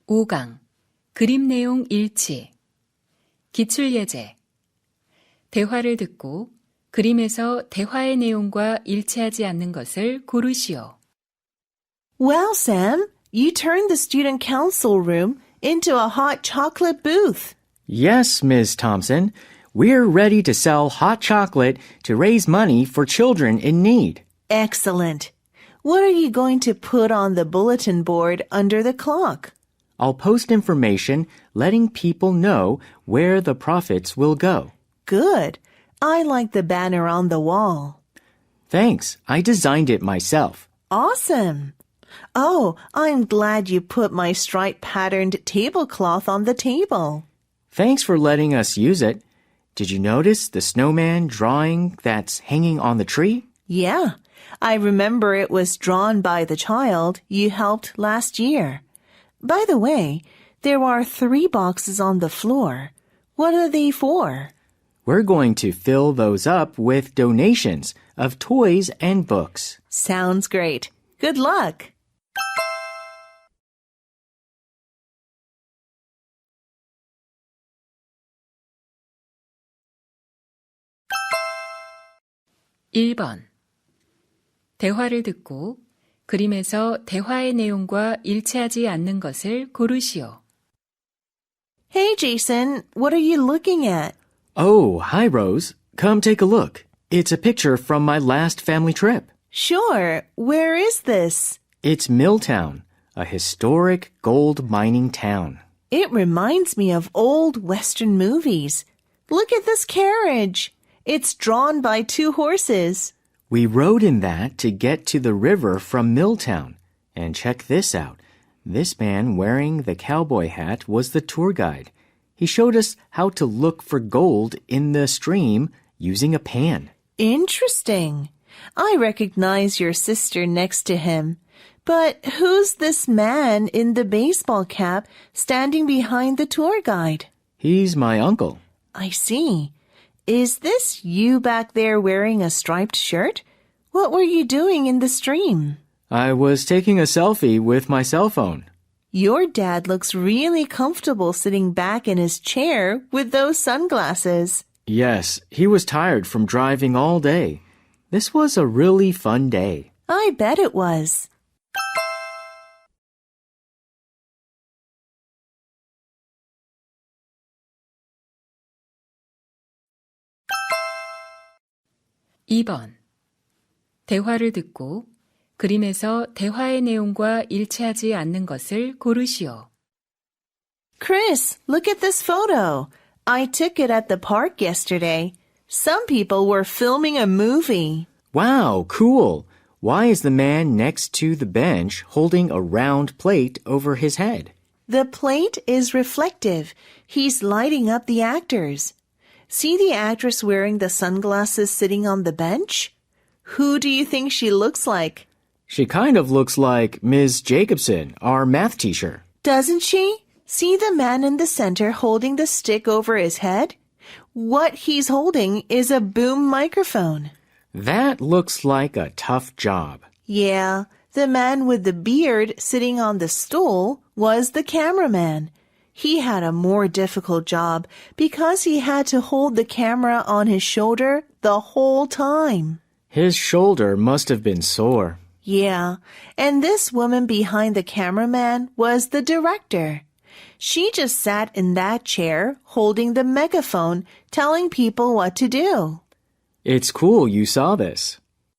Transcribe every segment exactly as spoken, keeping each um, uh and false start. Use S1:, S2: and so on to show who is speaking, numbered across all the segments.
S1: 오 강 그림 내용 일치 기출예제 대화를 듣고 그림에서 대화의 내용과 일치하지 않는 것을 고르시오.
S2: Well, Sam, you turned the student council room into a hot chocolate booth.
S3: Yes, Miz Thompson. We're ready to sell hot chocolate to raise money for children in need.
S2: Excellent. What are you going to put on the bulletin board under the clock?
S3: I'll post information letting people know where the profits will go.
S2: Good. I like the banner on the wall.
S3: Thanks. I designed it myself.
S2: Awesome. Oh, I'm glad you put my stripe-patterned tablecloth on the table.
S3: Thanks for letting us use it. Did you notice the snowman drawing that's hanging on the tree?
S2: Yeah, I remember it was drawn by the child you helped last year. By the way, there are three boxes on the floor. What are they for?
S3: We're going to fill those up with donations of toys and books.
S2: Sounds great. Good luck.
S1: 일 번 대화를 듣고 그림에서 대화의 내용과 일치하지 않는 것을 고르시오.
S2: Hey, Jason, what are you looking at?
S3: Oh, hi, Rose. Come take a look. It's a picture from my last family trip.
S2: Sure. Where is this?
S3: It's Milltown, a historic gold mining town.
S2: It reminds me of old Western movies. Look at this carriage. It's drawn by two horses.
S3: We rode in that to get to the river from Milltown. And check this out. This man wearing the cowboy hat was the tour guide. He showed us how to look for gold in the stream using a pan.
S2: Interesting. I recognize your sister next to him. But who's this man in the baseball cap standing behind the tour guide?
S3: He's my uncle.
S2: I see. Is this you back there wearing a striped shirt? What were you doing in the stream?
S3: I was taking a selfie with my cell phone.
S2: Your dad looks really comfortable sitting back in his chair with those sunglasses.
S3: Yes, he was tired from driving all day. This was a really fun day.
S2: I bet it was.
S1: 이 번 대화를 듣고 그림에서 대화의 내용과 일치하지 않는 것을 고르시오.
S2: Chris, look at this photo. I took it at the park yesterday. Some people were filming a movie.
S3: Wow, cool. Why is the man next to the bench holding a round plate over his head?
S2: The plate is reflective. He's lighting up the actors. See the actress wearing the sunglasses sitting on the bench? Who do you think she looks like?
S3: She kind of looks like Miz Jacobson, our math teacher.
S2: Doesn't she? See the man in the center holding the stick over his head? What he's holding is a boom microphone.
S3: That looks like a tough job.
S2: Yeah, the man with the beard sitting on the stool was the cameraman. He had a more difficult job because he had to hold the camera on his shoulder the whole time.
S3: His shoulder must have been sore.
S2: Yeah, and this woman behind the cameraman was the director. She just sat in that chair holding the megaphone telling people what to do.
S3: It's cool you saw this.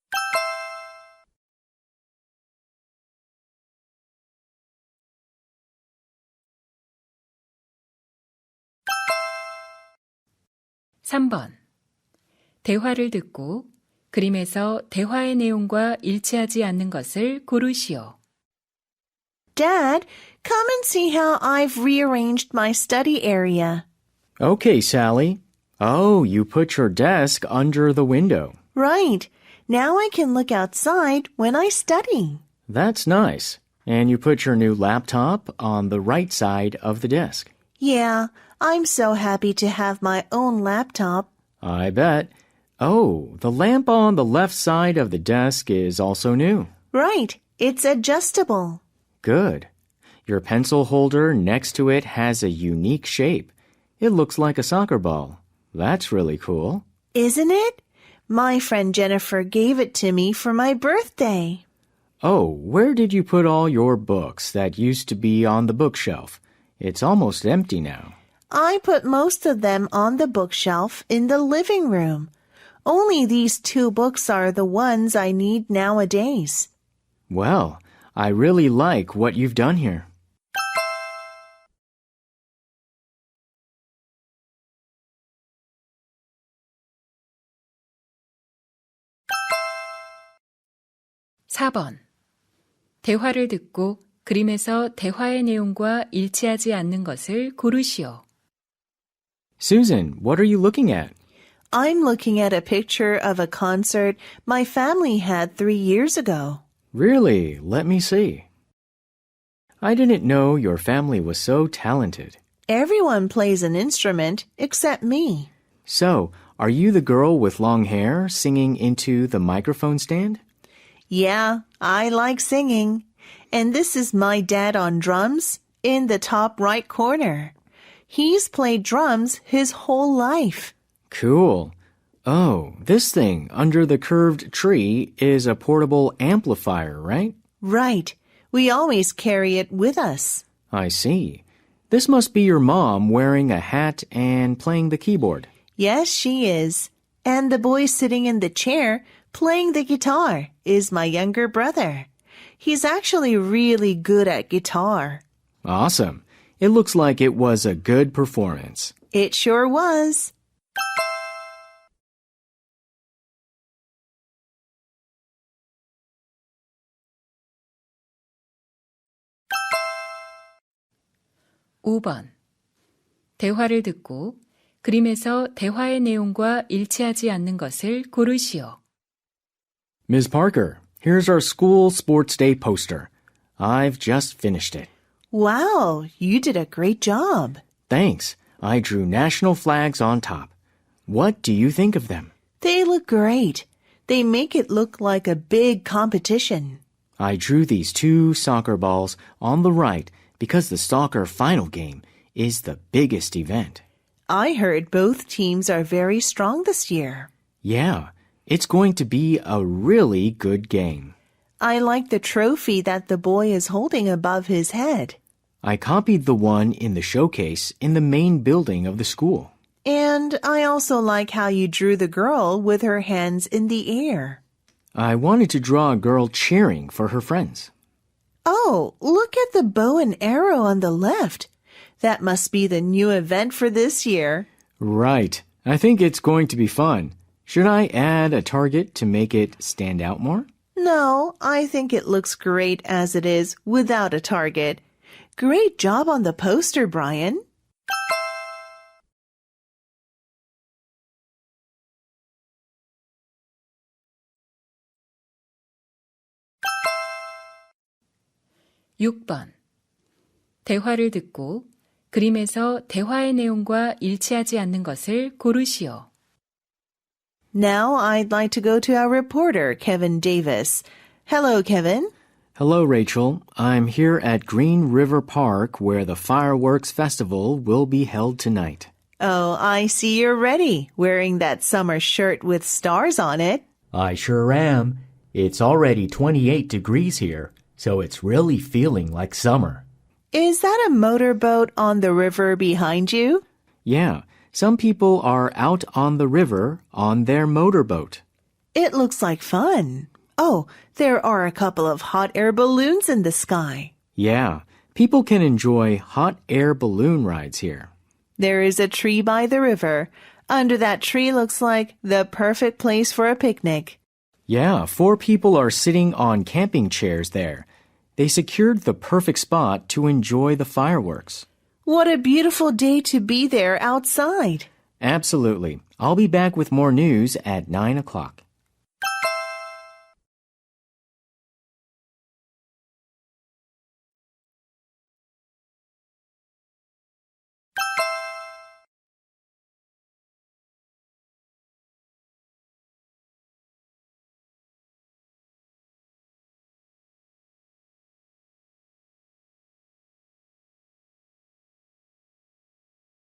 S1: 삼 번 대화를 듣고 그림에서 대화의 내용과 일치하지 않는 것을 고르시오.
S2: Dad, come and see how I've rearranged my study area.
S3: Okay, Sally. Oh, you put your desk under the window.
S2: Right. Now I can look outside when I study.
S3: That's nice. And you put your new laptop on the right side of the desk.
S2: Yeah, I'm so happy to have my own laptop.
S3: I bet. Oh, the lamp on the left side of the desk is also new.
S2: Right. It's adjustable.
S3: Good. Your pencil holder next to it has a unique shape. It looks like a soccer ball. That's really cool.
S2: Isn't it? My friend Jennifer gave it to me for my birthday.
S3: Oh, where did you put all your books that used to be on the bookshelf? It's almost empty now.
S2: I put most of them on the bookshelf in the living room. Only these two books are the ones I need nowadays.
S3: Well, I really like what you've done here.
S1: 사 번. 대화를 듣고 그림에서 대화의 내용과 일치하지 않는 것을 고르시오.
S3: Susan, what are you looking at?
S2: I'm looking at a picture of a concert my family had three years ago.
S3: Really? Let me see. I didn't know your family was so talented.
S2: Everyone plays an instrument except me.
S3: So, are you the girl with long hair singing into the microphone stand?
S2: Yeah, I like singing. And this is my dad on drums in the top right corner. He's played drums his whole life.
S3: Cool. Oh, this thing under the curved tree is a portable amplifier, right?
S2: Right. We always carry it with us.
S3: I see. This must be your mom wearing a hat and playing the keyboard.
S2: Yes, she is. And the boy sitting in the chair playing the guitar is my younger brother. He's actually really good at guitar.
S3: Awesome. It looks like it was a good performance.
S2: It sure was.
S1: 오 번. 대화를 듣고 그림에서 대화의 내용과 일치하지 않는 것을 고르시오.
S3: Miz Parker, here's our school sports day poster. I've just finished it.
S2: Wow, you did a great job.
S3: Thanks. I drew national flags on top. What do you think of them?
S2: They look great. They make it look like a big competition.
S3: I drew these two soccer balls on the right because the soccer final game is the biggest event.
S2: I heard both teams are very strong this year.
S3: Yeah, it's going to be a really good game.
S2: I like the trophy that the boy is holding above his head.
S3: I copied the one in the showcase in the main building of the school.
S2: And I also like how you drew the girl with her hands in the air.
S3: I wanted to draw a girl cheering for her friends.
S2: Oh, look at the bow and arrow on the left. That must be the new event for this year.
S3: Right. I think it's going to be fun. Should I add a target to make it stand out more?
S2: No, I think it looks great as it is without a target. Great job on the poster, Brian.
S1: 육 번. 대화를 듣고 그림에서 대화의 내용과 일치하지 않는 것을 고르시오.
S2: Now I'd like to go to our reporter, Kevin Davis. Hello, Kevin.
S3: Hello, Rachel. I'm here at Green River Park where the Fireworks Festival will be held tonight.
S2: Oh, I see you're ready, wearing that summer shirt with stars on it.
S4: I sure am. It's already twenty-eight degrees here, so it's really feeling like summer.
S2: Is that a motorboat on the river behind you?
S3: Yeah, some people are out on the river on their motorboat.
S2: It looks like fun. Oh, there are a couple of hot air balloons in the sky.
S3: Yeah, people can enjoy hot air balloon rides here.
S2: There is a tree by the river. Under that tree looks like the perfect place for a picnic.
S3: Yeah, four people are sitting on camping chairs there. They secured the perfect spot to enjoy the fireworks.
S2: What a beautiful day to be there outside.
S3: Absolutely. I'll be back with more news at nine o'clock.